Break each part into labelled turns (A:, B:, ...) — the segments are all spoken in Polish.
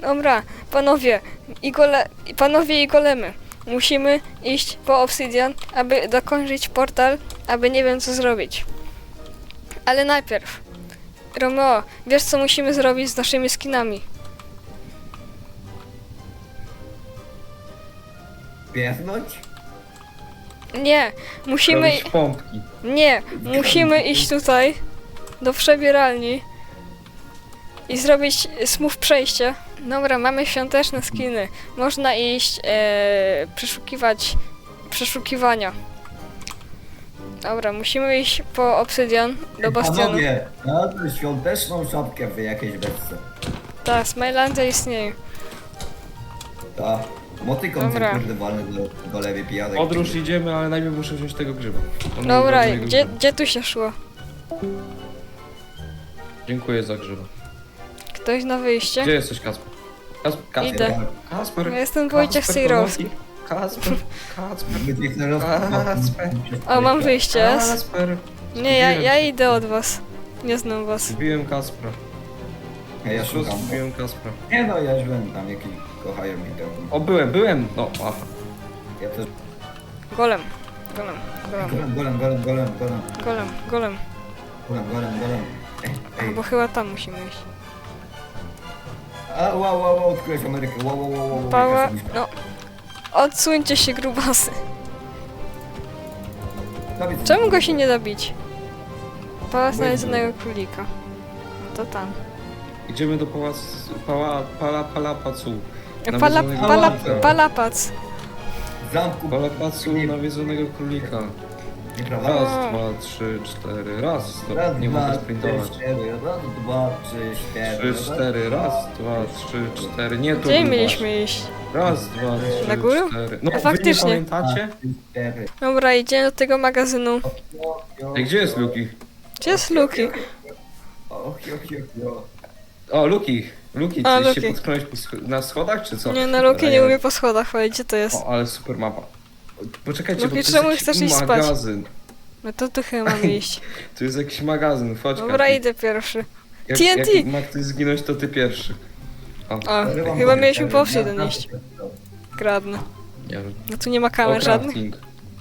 A: Dobra, panowie i golemy. Musimy iść po obsydian, aby dokończyć portal, aby nie wiem co zrobić. Ale najpierw, Romeo, wiesz co musimy zrobić z naszymi skinami?
B: Piernąć?
A: Nie, musimy...
C: Robić pompki.
A: Nie, musimy iść tutaj, do przebieralni i zrobić smooth przejście. Dobra, mamy świąteczne skiny. Można iść przeszukiwać przeszukiwania. Dobra, musimy iść po obsydian do bastionu.
B: Panowie, na tę świąteczną szapkę wy jakieś wersy.
A: Tak, Smilandia istnieje.
B: Ta. Motykon
A: Dobra.
B: ten kurde walny do lewej pijanek.
C: Podróż idziemy, ale najpierw muszę wziąć tego grzyba. On
A: Dobra,
C: był bardzo grzyba.
A: gdzie tu się szło?
C: Dziękuję za grzyba.
A: Ktoś na wyjście?
C: Gdzie jesteś, Kasper? Kasper,
A: Idę.
C: Kasper.
A: Ja jestem Wojciech Sejrowski.
C: Kasper, Kasper. Kasper.
A: O, mam wyjście.
C: Kasper.
A: Nie, ja idę od was. Nie znam was.
C: Zbiłem Kaspra.
B: Ja szukam.
C: Zbiłem Kaspra.
B: Nie no, ja byłem tam, jakiś kochają mi tam.
C: O, byłem. No, aha.
B: Ja też...
A: Golem. Golem.
B: Ej,
A: Bo chyba tam musimy iść.
B: a wow, odkryłeś Amerykę, wow.
A: Pała,
B: jaka sobie-
A: no. Odsuńcie się, grubasy.
B: Dawid,
A: Czemu go się nie da bić? Pałac nawiedzonego królika. No to tam.
C: Idziemy do pałacu, palapacu.
A: Palapac.
B: W zamku...
C: Palapacu nawiedzonego królika.
B: Nieprawda?
C: Raz,
A: O.
C: 2, 3, 4, raz.
B: Raz,
C: Nie
B: dwa,
C: mogę
B: trzy,
C: sprintować.
B: cztery, raz, dwa, trzy,
C: 3, 4, raz, 2, 3, 4. Nie, tu
A: Gdzie
C: był
A: mieliśmy iść?
C: Raz, 2, 3,
A: Na górę?
C: 4. No,
A: A faktycznie.
C: Wy nie pamiętacie?
A: Dobra, idziemy do tego magazynu.
C: Ej, gdzie jest Luki?
A: Gdzie jest Luki?
C: O, Luki,
A: A,
C: ty się
A: Luki.
C: potknąłeś na schodach, czy co?
A: Nie, na Luki nie umie po schodach chodzić. Gdzie to jest?
C: O, ale super mapa. Poczekajcie,
A: Luki,
C: bo to
A: czemu
C: jest
A: chcesz
C: jakiś
A: iść spać?
C: magazyn.
A: No to tu chyba mamy iść.
C: Tu jest jakiś magazyn, chodź
A: Dobra,
C: Kapi.
A: idę pierwszy.
C: Jak,
A: TNT.
C: Jak ma ktoś zginąć, to ty pierwszy.
A: O, chyba mieliśmy po obsydian iść. Kradnę.
C: Nie wiem.
A: No tu nie ma kamer żadnych.
C: crafting.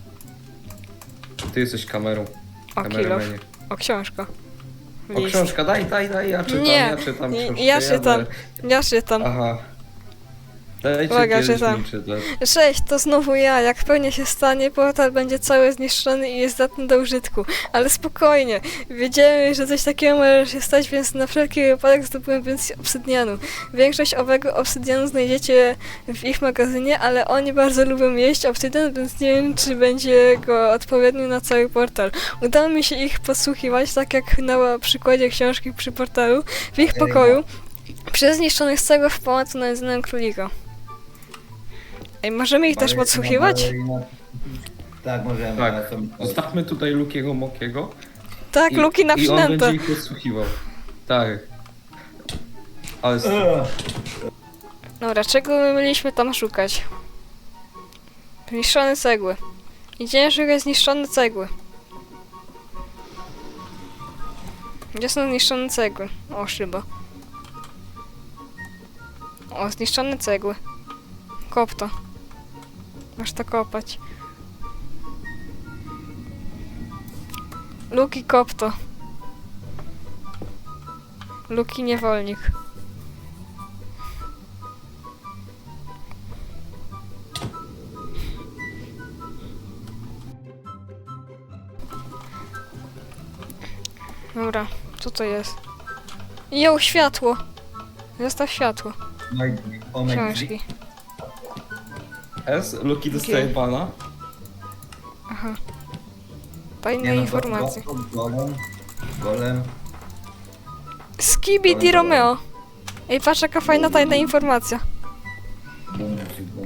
C: Ty jesteś kamerą.
A: O, kilof.
C: Kameramanie.
A: O, książka.
C: O,
A: List.
C: książka, daj, ja czytam,
A: Nie,
C: ja czytam książkę.
A: ja czytam.
C: będę-
A: Ja czytam.
C: Aha. Dajcie
A: Uwaga,
C: kiedyś
A: czytam.
C: mi czytać.
A: Cześć, to znowu ja. Jak pewnie się stanie, portal będzie cały zniszczony i jest zdatny do użytku. Ale spokojnie. Wiedziałem, że coś takiego może się stać, więc na wszelki wypadek zdobyłem więcej obsydianu. Większość owego obsydianu znajdziecie w ich magazynie, ale oni bardzo lubią jeść obsydian, więc nie wiem, czy będzie go odpowiedni na cały portal. Udało mi się ich podsłuchiwać, tak jak na przykładzie książki przy portalu, w ich pokoju, przez zniszczonych z cegieł w pałacu nawiedzonego królika. Ej, możemy ich też podsłuchiwać?
B: Tak, możemy.
C: Tak.
B: ale to-
C: Zostawmy tutaj Lukiego Mokiego.
A: Tak, Luki na
C: I on
A: przynętę.
C: będzie ich podsłuchiwał. Tak. Ale
A: Dobra, czego my mieliśmy tam szukać? Zniszczone cegły. Idziemy szukać zniszczone cegły. Gdzie są zniszczone cegły? O, szyba. O, zniszczone cegły. Kop to. Masz to kopać. Luki, kop to. Luki, niewolnik. Dobra, co to jest? Jo, światło! Zostaw światło. Książki.
C: S, Luki dostaje pana.
A: Aha. Tajne informacje.
B: Golem.
A: Skibidi Romeo! Ej, patrz jaka fajna tajna informacja.
B: Bum.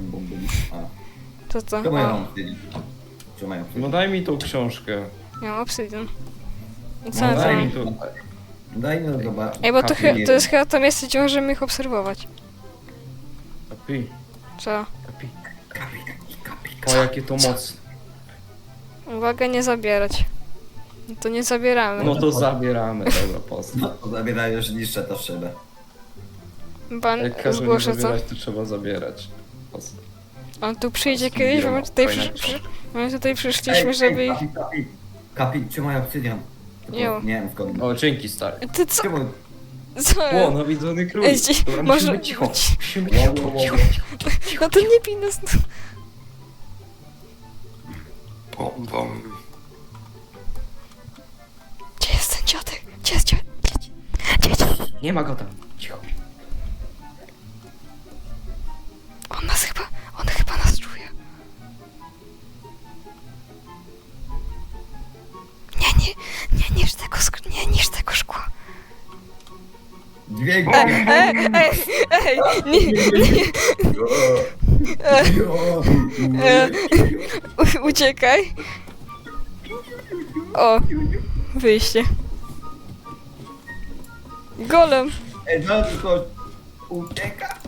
B: A,
A: To co?
B: co mają
A: O,
B: wtedy? Co mają wtedy?
C: No daj mi tą książkę.
A: ja mam obsydian. I co
B: No
A: na
C: daj
A: to?
C: mi tą.
B: Daj mi zobaczyć.
A: Ej, bo to,
C: Kapi.
A: to jest chyba to miejsce, gdzie możemy ich obserwować.
C: Kapi,
A: Co?
C: kapi. O, jakie to mocne.
A: Uwaga, nie zabierać. No to nie zabieramy.
C: No to zabieramy, dobra, pozdro.
B: No, to zabierają, już niszczę to w szybę.
A: Ban,
C: Jak każą nie
A: zgłoszę co?
C: zabierać, to trzeba zabierać. Po co?
A: On tu przyjdzie
C: Fajna
A: kiedyś, bo my tutaj,
C: fajna
A: my tutaj przyszliśmy, żeby...
B: Kapi, trzymaj obsydian. Tylko
A: Jo.
B: nie wiem skąd.
C: O, dzięki stary.
A: Ty co?
B: Czemu?
A: Co?
C: O, nawiedzony król.
A: Ej,
C: Dobra,
A: może-
C: musimy być cicho. Musimy być cicho, cicho.
A: No to nie pij nas.
C: Bom, bom.
A: Gdzie jest ten dziadek? Gdzie jest dziadek? Gdzie?
C: Nie ma go tam. Cicho.
A: On chyba nas czuje. Nie niż tego, nie niż tego szkła.
B: Dźwięk.
A: Ej, nie, uciekaj. O, wyjście. Golem.
B: Ej, no tylko ucieka.